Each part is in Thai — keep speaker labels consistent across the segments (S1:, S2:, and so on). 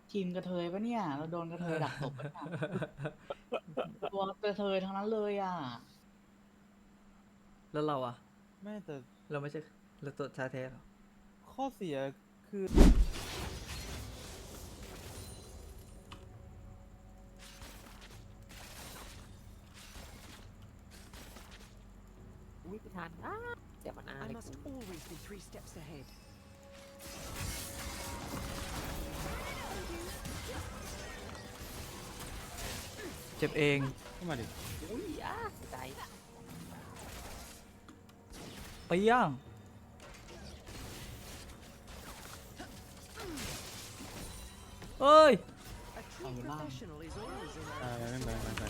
S1: ทีมกระเทยปะเนี่ยเราโดนกระเทยดักตบปะเนี่ยตัวกระเทยทั้งนั้นเลยอ่ะ
S2: แล้วเราอะ
S3: ไม่แต่
S2: เราไม่ใช่เราตัวชาแท้หรอ
S3: ข้อเสียคือ
S4: อุ้ยไม่ทันเสียมันอา
S5: I
S4: เลย
S5: must always be 3 steps ahead.
S2: เจ็บเอง
S3: เข้ามาดิ
S4: อุ้ยเสียใจ
S2: ไปย่างเอ้ย
S5: A true professional is always in
S3: ไม่เป็นไร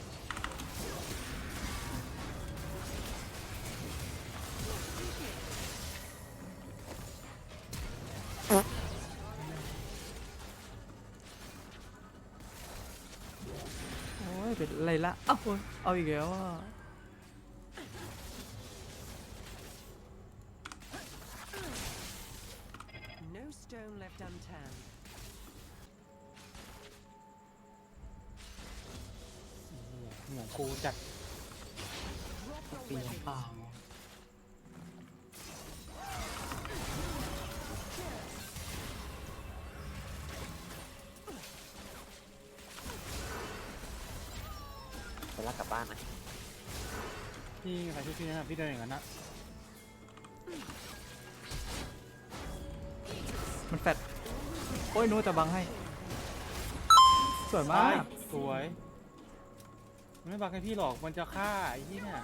S2: โอ้ยเป็นไรละเอ้าโอ้ยเอาอีกแล้วอ่ะ
S5: No stone left unturned.
S3: หัวกูจัด
S5: Drop your
S1: ตีน้ำ
S5: weapons.
S1: เปล่า
S4: ไปลากกลับบ้านนะ
S3: พี่ใครช่วยพี่นะครับพี่เดินอย่างนั้นนะ
S2: มันแฟดโอ้ยนู้จะบังให้ สวยมาก
S3: สวยมันไม่บักให้พี่หรอกมันจะฆ่าไอ้ที่เนี่ย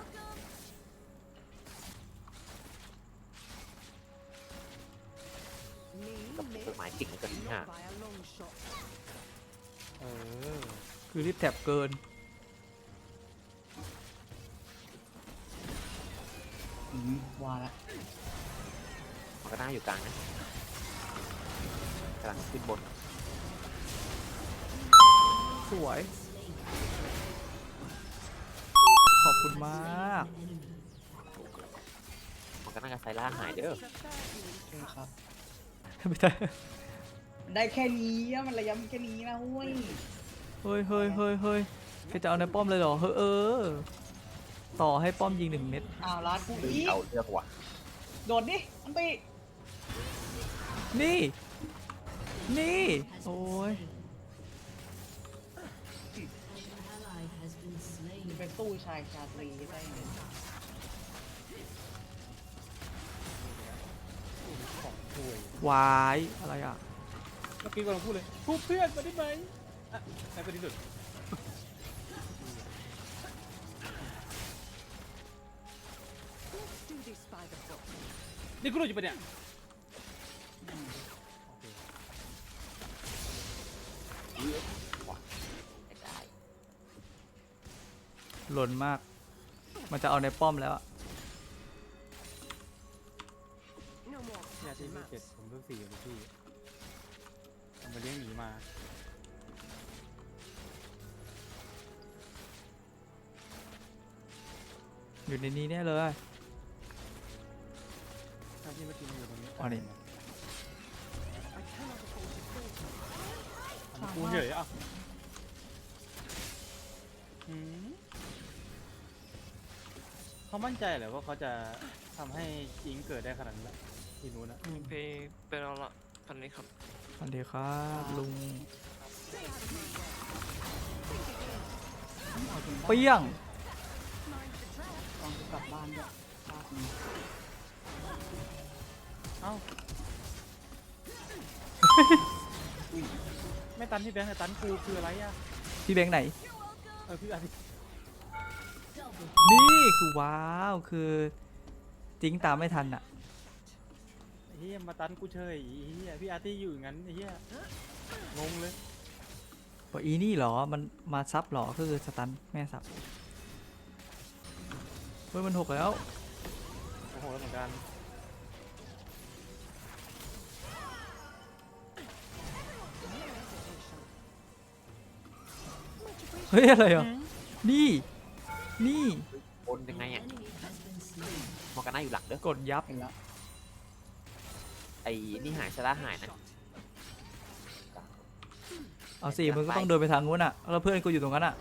S5: Me,
S4: กับ
S5: miss.
S4: ต้นไม้กิ่งกันนี่ฮะ
S5: Not by a long shot.
S3: เออ
S2: คือรีบแถบเกิน
S1: ว่าละ
S4: มันก็น่าอยู่กลางนะกำลังขึ้นบน
S2: สวย ขอบคุณมาก
S4: มันก็น่าจะไซล่าหายเด้อ
S1: ใช่ครับ
S2: ไม่ได้
S1: มันได้แค่นี้อะมันระยำแค่นี้นะเว้ย
S2: เฮ้ยเฮ้ยเฮ้ยเฮ้ยแกจะเอาในป้อมเลยเหรอ เฮ้ยต่อให้ป้อมยิง1 เม็ด
S1: อ้าวร้านกูอีก
S4: เอาเลือกว่ะ
S1: โดดดิอันตี
S2: นี่ นี่ โอ้ย
S1: เป็นตู้ชายชาตรีได้ไง
S3: ของช่วยว
S2: าย อะไรอ่ะ
S3: เมื่อกี้กำลังพูดเลยพูดเพื่อนมาได้ไหมอ่ะไหนไปดิดุด
S5: Let's do this by the book.
S3: นี่กูรู้อยู่ปะเนี่ย
S4: ไม่ได้
S2: หล่นมาก มันจะเอาในป้อมแล้วอะ
S5: No more
S3: เนี่ย
S5: cat
S3: ที่
S5: and
S3: เจ็ด
S5: mouse.
S3: ผมเพิ่ง4กับพี่ผมมาเลี้ยงหมีมา
S2: อยู่ในนี้แน่เลย
S3: ถ้าพี่เมื่อกี้มันอยู่ตรงนี้
S2: อ๋อนี่
S5: I cannot afford to falter.
S3: กูเฉยอ่ะหืมเขามั่นใจเหรอว่าเขาจะทำให้จิงเกิดได้ขนาดนั้นที่นู้นนะ
S6: เพย์เป็นเอาละพันนี้ครับ
S2: สวัสดีครับลุง
S1: เอาจริง
S2: เปี้ยง
S1: ตอนกูกลับบ้านด้วยภาพนี้
S3: เอ้าไม่ตันที่แบงค์แต่ตันกูคืออะไรอ่ะ
S2: พี่แบงค์ไหน
S3: พี่อาทิตย์
S2: นี่คือว้าว คือจริงตามไม่ทันอะ
S3: ไอ้เฮียมาตันกูเฉยไอ้เฮียพี่อาร์ตี้อยู่อย่างนั้นไอ้เฮียงงเลย
S2: บอกอีนี่เหรอ มันมาซับเหรอ คือสตันแม่ซับเฮ้ยมัน6แล้ว
S3: โอ้โหแล้วเหมือนกัน
S2: เฮ้ย อะไรอ่ะ นี่ นี่
S4: บนยังไงอ่ะมันก็น่าอยู่หลังเด้อก
S2: ดยับ
S1: เห็นแล้ว
S4: ไอ้นี่หายไซล่าหายนะ
S5: Not
S2: เอาสิมึงก็ต้องเดินไปทางนู้นอ่ะแล้วเพื่อนกูอยู่ตรงนั้นอ่ะ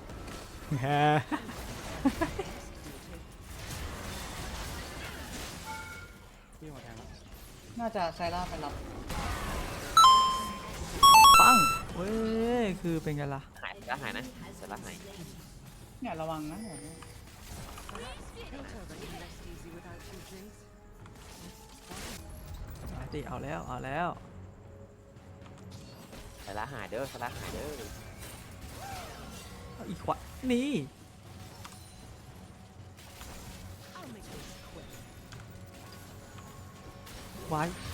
S3: พี่มาแทงแล้ว
S1: น่าจะไซร่าไปรับ
S2: ปังเว้ยคือเป็นไงล่ะ
S4: หายแล้วหายนะเสร็จแล้วหาย
S1: เนี่ยระวังนะ
S5: Things are running less easy without you, Jace.
S2: มาสิเอาแล้วเอาแล้ว
S4: เสร็จแล้วหายเด้อเสร็จแล้วหายเด้อ
S2: เอาอีกขวานี่
S5: I'll make this quick.
S2: ไว้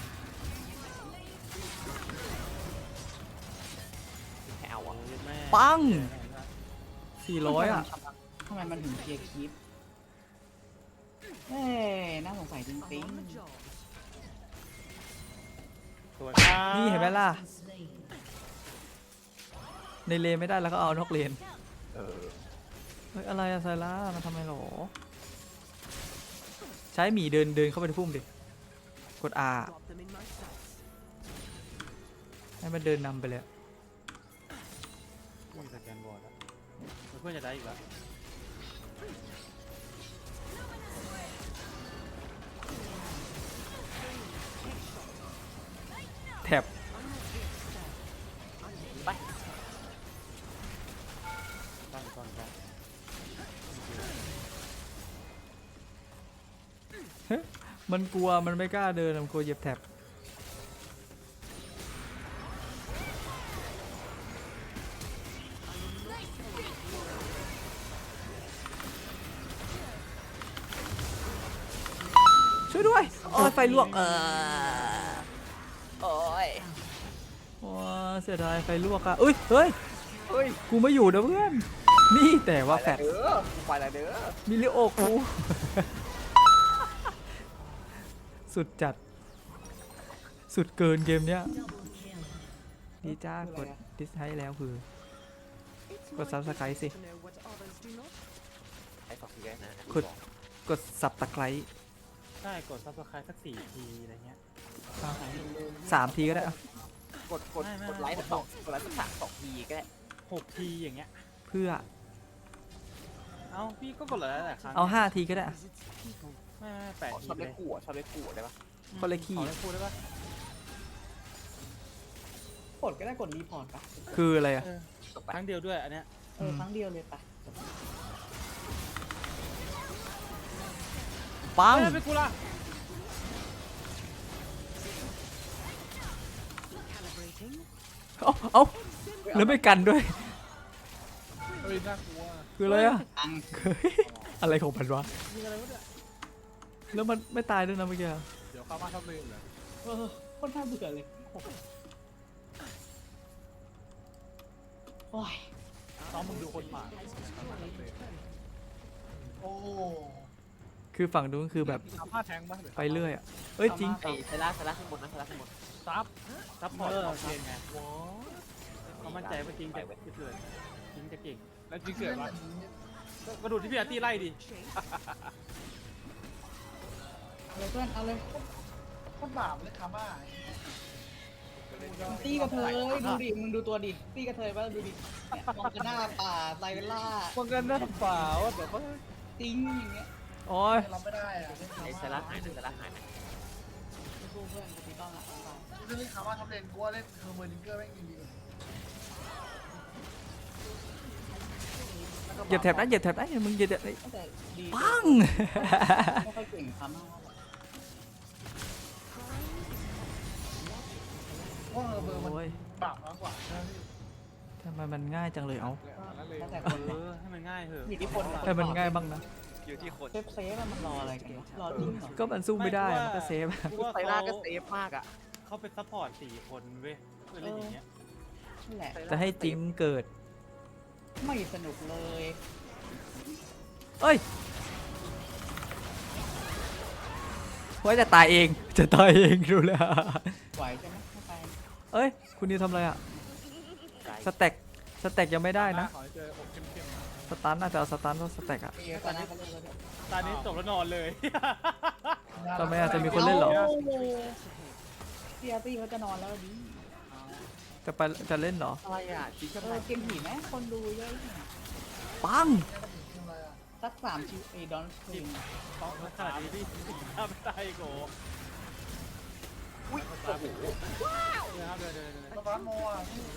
S4: แค่เอาอ่ะ
S3: แม่
S2: ปัง
S3: แทงแล้ว
S2: 400อ่ะ
S1: ทำไมมันถึงเคลียร์คลิปเอ้ยน่าสงสัยจ
S5: I'm
S1: ริง
S5: on the job.
S3: สวยครับ
S2: นี่เห็นไหมล่ะ ในเลนไม่ได้แล้วก็เอานอกเลน
S4: เออ
S2: เฮ้ยอะไรอะไซร่ามันทำไมหรอ ใช้หมีเดินเข้าไปในพุ่มดิ กด R
S5: Drop them in my sights.
S2: ให้มันเดินนำไปเลย
S3: ไม่มีสแกนบอร์ดแล้วเพื่อนจะได้อีกแล้ว
S2: แท็บ
S4: ไป
S3: ตั้ง
S2: มันกลัวมันไม่กล้าเดินมันกลัวเหยียบแท็บช่วยด้วย โอ้ยไฟลวก
S4: โอ้ย
S2: โอ้ยเสียดายไฟลวกอะเอ้ยเฮ้ย
S4: เฮ้ย
S2: กูไม่อยู่นะเพื่อน นี่แต่ว่าแฟด
S4: เด้อไปแล้วเด้อ
S2: มิลิโอกู สุดจัด สุดเกินเกมเนี้ยดีจ้ากดดิสไทแล้วคือ
S5: It's
S2: Got
S5: my
S2: subscribe
S5: business
S2: สิ
S5: to know what others do not.
S4: ไอ้สองทีแรกนะ
S2: กด กดสับตะไคร้
S3: ใช่กดซับสไครต์สัก4 ทีอะไรเงี้ย
S2: 3 ทีก็ได้อะ
S4: กดไลค์สักสองกดไลค์สักสองทีก็ได้
S3: 6 ทีอย่างเงี้ย
S2: เพื่อ
S3: เอ้าพี่ก็กดหลายๆครั้ง
S2: เอา 5 ทีก็ได้อะ
S5: Visits people.
S3: ไม่8 ที
S4: ชอบ
S3: เล
S4: เล่
S3: ย
S4: นขู่ชอบเล่นขู่ได้ปะ
S2: คนละขี้
S3: ขอได้พูดได้ปะ
S1: กดก็ได้กดรีพอร์ตปะ
S2: คืออะไรอะ
S3: เออ
S4: จบไป
S3: ครั้งเดียวด้วยอันเนี้ย
S1: ครั้งเดียวเลยปะ
S2: ปัง
S3: เฮ้ยเป็นกูละ
S5: Calibrating.
S2: เอาแล้วไม่กันด้วย
S3: เฮ้ยน่ากลัว
S2: คืออะไรอะ
S1: อัง
S2: เฮ้ยอะไรของมันวะ
S3: มีอะไรวะเนี่ย
S2: แล้วมันไม่ตายด้วยนะเมื่อกี้อะ
S3: เดี๋ยวเข้ามาทำเลยเหรอ
S1: โคตรน่าเบื่อเลยโอ้ย
S3: ต้องมึงดูคนหมา
S1: โอ้
S2: คือฝั่งนู้นคือแบบ
S3: ทำผ้าแทงบ้าง
S2: ไปเรื่อยอะเอ้ยจริง
S4: ไอ้เซล่าข้างบนนะเซล่าข้างบน
S3: ซับพอร์ตเอาเกนไงเขามั่นใจว่าจริงจะเกิดจริงจะเก่งแล้วจริงเกิดวะก็ดูที่พี่อาร์ตี้ไล่ดิ
S1: เอาเลยเพื่อนเอาเลย
S7: โคตรบาปเลยคาม่า
S1: ตีกระเทยดูดิมึงดูตัวดิตีกระเทยป่ะดูดิเนี่ยมองกันหน้าป่าไซเวลล่า
S3: ป้องกันหน้าเปล่าเดี๋ยวเขา
S1: จริงอย่างเงี้ย
S2: โอ้ย
S7: เราไม่ได้อะเล่นคา
S4: ไอ้เซ
S7: ม่า
S4: ล่าหายนะเซล่าหายนะ
S1: ไม่สู้เพื่อนจะตีต้องละ
S7: ถ้าเล่นคาม่าท็อปเลนกูว่าเล่นเฮอร์เมอร์ดิงเกอร์แม่งดีกว่า
S2: เหยียบแท็บนะเหยียบแท็บนะมึงเหยียบแท็บนะ
S1: แต่ดี
S2: ปัง
S1: ไม่ค่อยเก่งคำมาก
S7: เพราะเฮอร์เมอร์มัน
S2: โอ้ย
S7: บาปมากกว่าใช่ไหมพี่
S2: ทำไมมันง่ายจังเลยเอา
S1: แล้วแต่
S3: เอ
S1: คน
S3: อให้มันง่ายเถอะ
S1: อยู่ที่คน
S2: ให้มันง่ายบ้างนะ
S4: อยู่ที่คน
S1: เซฟอะมันรออะไรกันวะรอจริงเหรอ
S2: ก็มันสู้ไม่ได้มันก็เซฟ
S3: กูว่า
S4: ไซล่าก็เซฟมากอ่ะ
S3: เขาเป็นซัพพอร์ต4 คนเว้ยเพื่อเล่นอย่างเงี้ย
S1: นั่นแหละ
S2: จะให้จริงเกิด
S1: ไม่สนุกเลย
S2: เอ้ยว่าจะตายเอง จะตายเองดูแล้ว
S1: ไหวใช่ไหมไม่ไป
S2: เอ้ย คุณนิวทำอะไรอะสแต็กสแต็กยังไม่ได้นะ
S3: ขอให้เจออกเข้ม
S2: สตันน่าจะเอาสตันเพราะสแต็กอะ
S1: เอตอนนี้เขาเล่นแล้วเนี่ย
S3: ๆตอนนี้จบแล้วนอนเลย
S2: ทำไมอาจจะมีคนเล่นเหรอ
S1: พี่อาร์ตี้เขาจะนอนแล้วดิ
S2: จะเล่นเหรอ
S4: อะไรอ่ะจีกัน
S1: เกมผีไหมคนดูเยอะเนี่ย
S2: ปัง
S7: ทำอะไรอ่ะ
S1: สัก3ชิวดอนสตรีม
S3: ต้องขนาดนี้พี่ทำไม่ได้โก
S4: อุ้ยโอ้โห
S3: นะครับเดิน
S7: สปาร์โมอ่ะ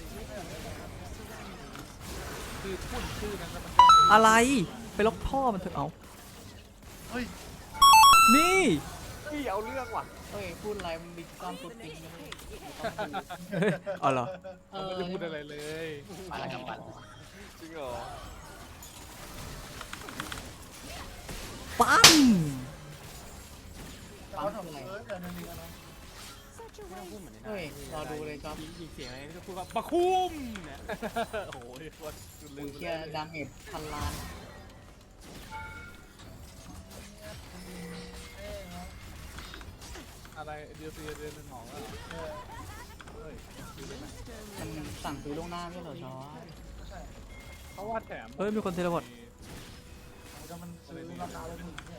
S3: คือพูดชื่อนั้นแล้วมัน
S2: อะไรไปล็อกท่อมันเถอะเอา
S7: เฮ้ย
S2: นี่
S4: เฮ้ยเอาเรื่องว่ะ
S1: เฮ้ยพูดอะไรมันดิจิตอลฟุตติ้งกันเลย
S2: เฮ้ยเอาเหรอ
S3: ไม่ได้พูดอะไรเลย
S1: มาแล้วกับปัน
S4: จริงเหรอ
S2: ปัง
S7: แต่ว่าทำแต่มันมีกันนะ
S5: Such a
S3: ไม่ต้อง
S5: waste.
S3: พูดเหมือนใน
S1: เฮ้ยรอดูเลยจ๊อบ
S3: ยิงเสียงอะไรก็พูดว่าปะคุ้มเนี่ยโอ้โหโคตรลื
S1: กู
S3: ม
S1: เชียร์ดาเมจพันล้าน
S3: อะไรเดือดเดือนหมองแล้วเฮ้ย
S1: มันสั่งซื้อล่วงหน้าไม่เหรอจอ
S3: เพราะว่าแถม
S2: เฮ้ยมีคนเทเลพอร์ต
S7: แต่มันซื้อราคาเลยถูกเนี่ย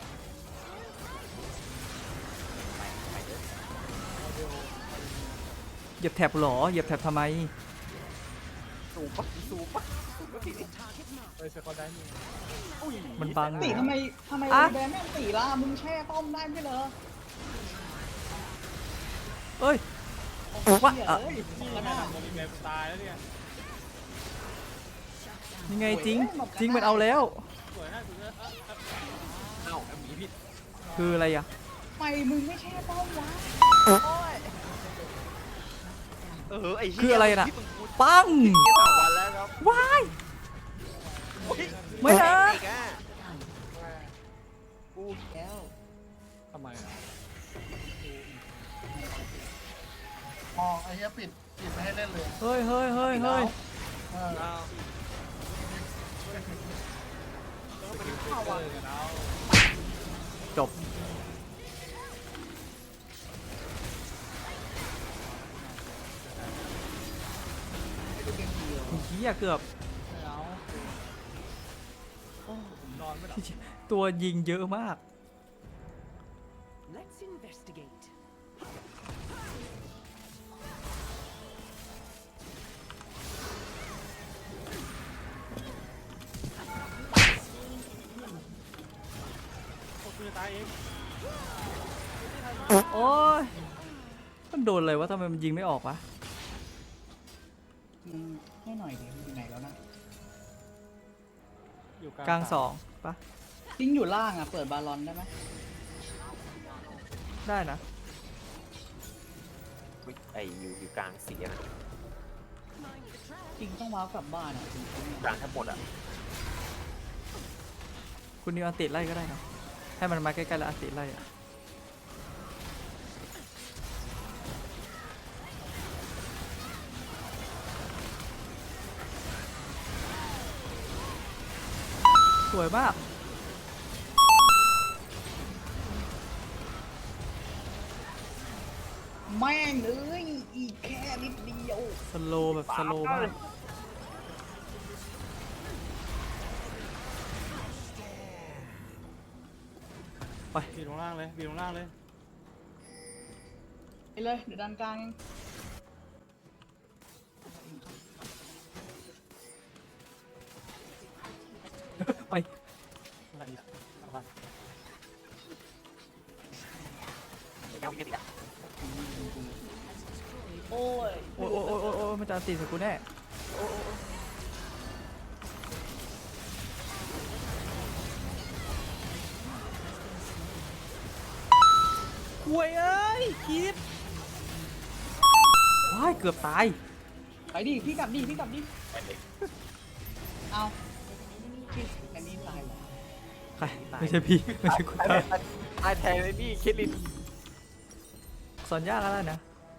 S2: เหยียบแท็บเหรอเหยียบแท็บทำไม
S4: สูบปะสูบปะสูบปะพี่
S3: เฮ้ยเซคอนได้นี่
S4: อุ้ย
S2: มันบัง
S1: ตีทำไม
S2: อ่ะ
S1: แบนแม่งตีล่ะมึงแช่ต้มได้ไม่เหรอ
S2: เอ้ย
S1: ว่า
S2: อ่ะ
S1: เอ้ย
S3: นี่
S1: ก็
S3: แม่
S1: น่า
S3: ทำโมบิเมตายแล้วเนี่ย
S2: ยังไงจริงจริงมันเอาแล้ว
S3: สวยนะสวยนะ
S4: เอ้าหมีผิด
S2: คืออะไรอ่ะ
S1: ไปมึงไม่แช่ต้มวะ
S4: ไอ้เหี้ย
S2: คืออะไรน่ะ
S4: ที่มึงพูด
S2: ปัง
S4: เหี้ย3 วันแล้วครับ
S2: ว้าย
S4: โอ้ย
S2: ไม่นะ
S4: อีกอ่ะ
S1: กูแล้ว
S3: ทำไมอ่ะ
S7: มองไอ้เหี้ยปิดไม่ให้เล่นเลย
S2: เฮ้ยเฮ้ยเฮ้ยเฮ้ย
S7: เออ
S4: เอา
S2: จบเฮียเกือบ
S3: เอาผมนอนไม่หลับ
S2: ตัวยิงเยอะมาก
S5: Let's investigate.
S3: โอ้กูจะตายเอง
S2: โอ้ยมันโดนเลยวะทำไมมันยิงไม่ออกวะ
S1: มึงให้หน่อยดิมึงอยู่ไหนแล้วนะ
S3: อยู่
S2: กลางสองปะ
S1: ลิงอยู่ล่างอ่ะเปิดบาลอนได้ไหม
S2: ได้นะ
S4: อุ๊ยไอ้อยู่กลางสีอะนะ
S1: จริงต้องว้าวกลับบ้านอ่ะจริง
S4: กลางทั้งหมดอ่ะ
S2: คุณนิวอันติไล่ก็ได้นะให้มันมาใกล้ๆแล้วอันติไล่อะสวยมาก
S1: แม่งเอ้ยอีกแค่นิดเดียว
S2: สโลว์แบบสโลว์มาก
S3: บีลงล่างเลยบีลงล่างเลย
S1: ไปเลยเดี๋ยวดันกลางเอง
S2: ไป
S3: อะไรอีกอะไร
S4: ยังไม่ติดอ่ะ
S1: โอ้ย
S2: โอ้ยโอ้ยโอ้ยโอ้ยโอ้ยมันจะอันติใส่กูแน่ห่วยเอ้ยคิดว้ายเกือบตาย
S1: ไปดิพี่กลับดิพี่กลับดิ
S4: ไปเลย
S1: เอาพี่อันนี้ตายเหรอ
S2: ใครไม่ใช่พี่ไม่ใช่คุณตา
S4: ตายแทนเลยนี่คิดลิน
S2: สอนยากแล้วนะ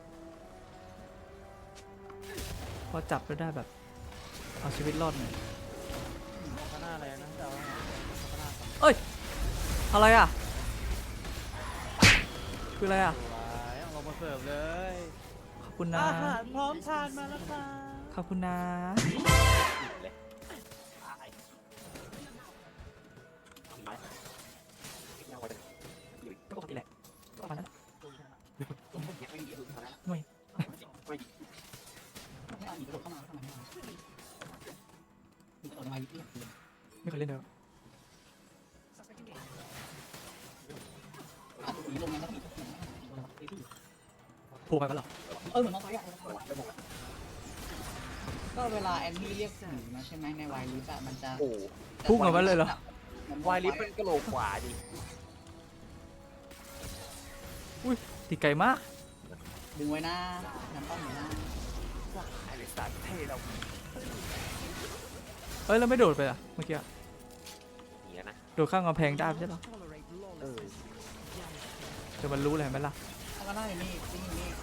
S2: พอจับแล้วได้แบบ เอาชีวิตรอดหน่อย
S3: ข้างหน้าอะไรนะจะเอาข้างหน้าก่อน
S2: เอ้ย อะไรอ่ะ คืออะไรอ่ะ
S3: สวยเอาลงมาเสิร์ฟเลย
S2: ขอบคุณนะ
S3: อาหารพร้อมทานมาแล้วค่ะ
S2: ขอบคุณนะ
S4: เลยตายไปยังไงอยู่
S2: ก็ปกติแหละประมาณนั้น
S4: ยังไม่มีอยู่เท่านั้น
S2: หน่วย
S4: ไม่
S1: แทายลิฟต์
S2: ไม่เคยเล่นเลย
S1: ผีลงนั้นแล้วผี
S2: โผล่ไปปะเหรอ
S1: เหมือนน้องไฟอ่ะก็เวลาแอนนี่เรียกผีมาใช่ไหมในวายลิฟต์อะมันจะ
S4: โอ้
S2: พุ่งออกมาเลยเหรอ
S4: วายลิฟต์มันกระโหลกขวาดิ
S2: อุ้ยตีไกลมาก
S1: ดึงไว้หน้าน้ำป้อมอยู่หน้า
S4: ไอ้เด็กสัตว์เท่เรา
S2: เอ้ยแล้วไม่โดดไปอ่ะเมื่อกี้อะ
S4: หนีแล้วนะ
S2: โดดข้างกำแพงได้ไม่ใช่เหรอ
S4: เออ
S2: เดี๋ยวมันรู้เลยเห็นไหมล่ะ
S1: แล้วก็หน้าอยู่นี่จริงอยู่นี่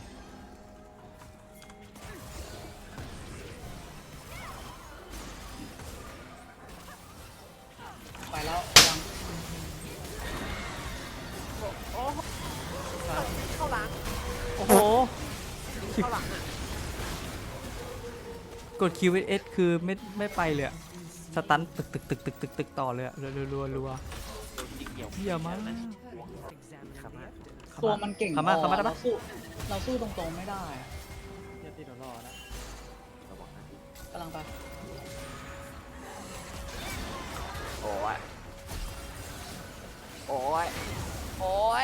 S1: ไปแล้วยัง
S4: เข้าหลัง
S2: โอ้โห
S4: เข้าหลังอ่ะ
S2: กด QS คือไม่ไปเลยอะสตันตึกต่อเลยอะรัว
S4: โดนยิงเหี่ยว
S2: เยี่ยมมาก
S4: ครับมาก
S1: ตัวมันเก่ง
S2: ขามาขามาได้ปะ
S1: เราสู้ตรงๆไม่ได้อะ
S3: เดี๋ยวตีเดี๋ยวรอแล้ว
S4: ระวังนะ
S1: กำลังไป
S4: โอ้ยโอ้ยโอ้ย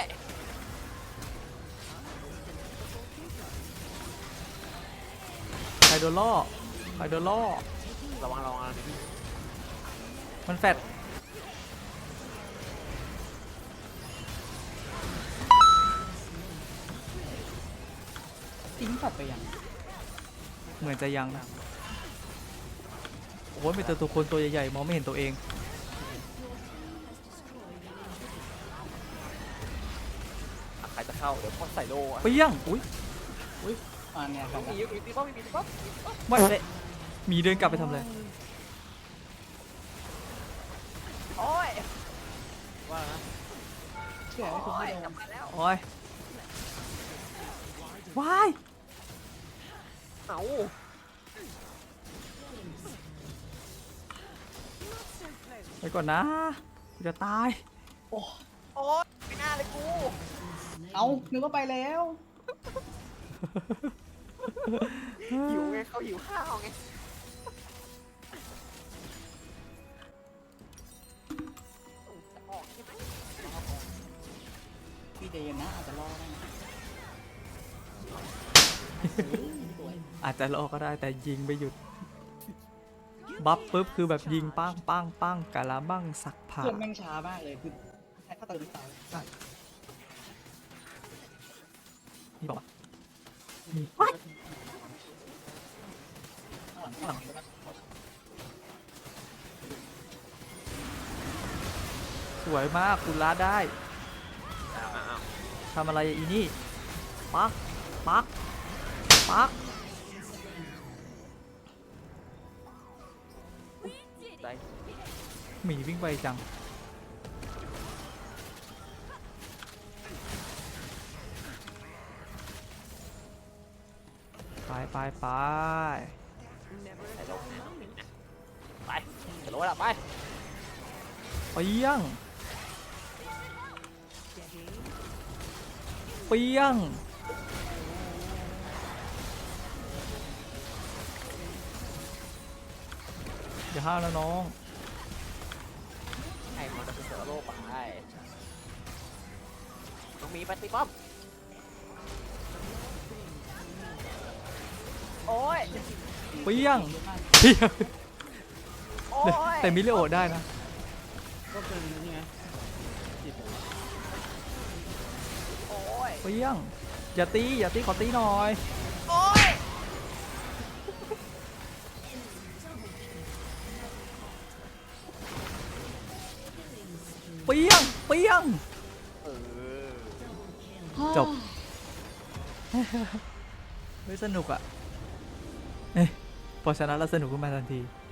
S2: ใครโดนล่อใครโดนล่อ
S4: ระวังนะ
S2: มันแฟด
S1: ทิ้งสัตว์ไปยัง
S2: เหมือนจะยังนะโอ้โหมีตัวคนตัวใหญ่ๆมองไม่เห็นตัวเอง
S4: ใครจะเข้าเดี๋ยวพ่อใส่โล่อะ
S2: เปี้ยงอุ้ย
S1: เนี่ยครับ
S4: มีอยู่ตีป้อมมีตีป้อม
S2: ไม่เลยมีเดินกลับไปทำอะไร
S4: โอ้ย
S3: ว่านะ
S1: เชื่อให้คุณไม่โดน
S4: กลับมาแล้ว
S2: โอ้ย ว้าย
S4: เอ้า
S2: ไปก่อนนะกูจะตาย
S4: โอ้ยไม่น่าเลยกู
S1: เอานึกว่าไปแล้ว
S4: หิวไงเขาหิวข้าวไง จะออกใช่ไหม
S1: พี่เดนนะอาจจะรอได้นะสวย
S2: อาจจะรอก็ได้แต่ยิงไม่หยุด บัฟปุ๊บคือแบบยิงปังปังปังกะละบังสักผ่า
S1: เพื่อนแม่งช้ามากเลยคือถ้าเติมไม่ตายใช่
S2: นี่บอกว่า
S1: ข้างหลัง
S2: สวยมากคุณลาได้
S4: อ้าว
S2: ทำอะไรอีนี่ ปัก ปัก ปัก
S4: ใจ
S2: หมีวิ่งไปจัง ไปไปไป
S4: ใส่โล่แน่น้องหมิงนะไปใส่โล่ละไป
S2: เปี้ยง เปี้ยง อย่าห้าวนะน้อง
S4: ให้มันจะเป็นเสือโล่ไปน้องหมีไปตีป้อมโอ้ย
S2: เปี้ยง เปี้ยง
S4: โอ้ย
S2: แต่มิเลโอได้นะ
S3: ก็เป็นนี่ไงจิตเหรอ
S4: โอ้ย
S2: เปี้ยง อย่าตี อย่าตี ขอตีหน่อย
S4: โอ้ย
S2: เปี้ยง เปี้ยง
S4: เออ
S2: จบ ไม่สนุกอ่ะ เอ๊ะพอชนะแล้วสนุกขึ้นมาทันที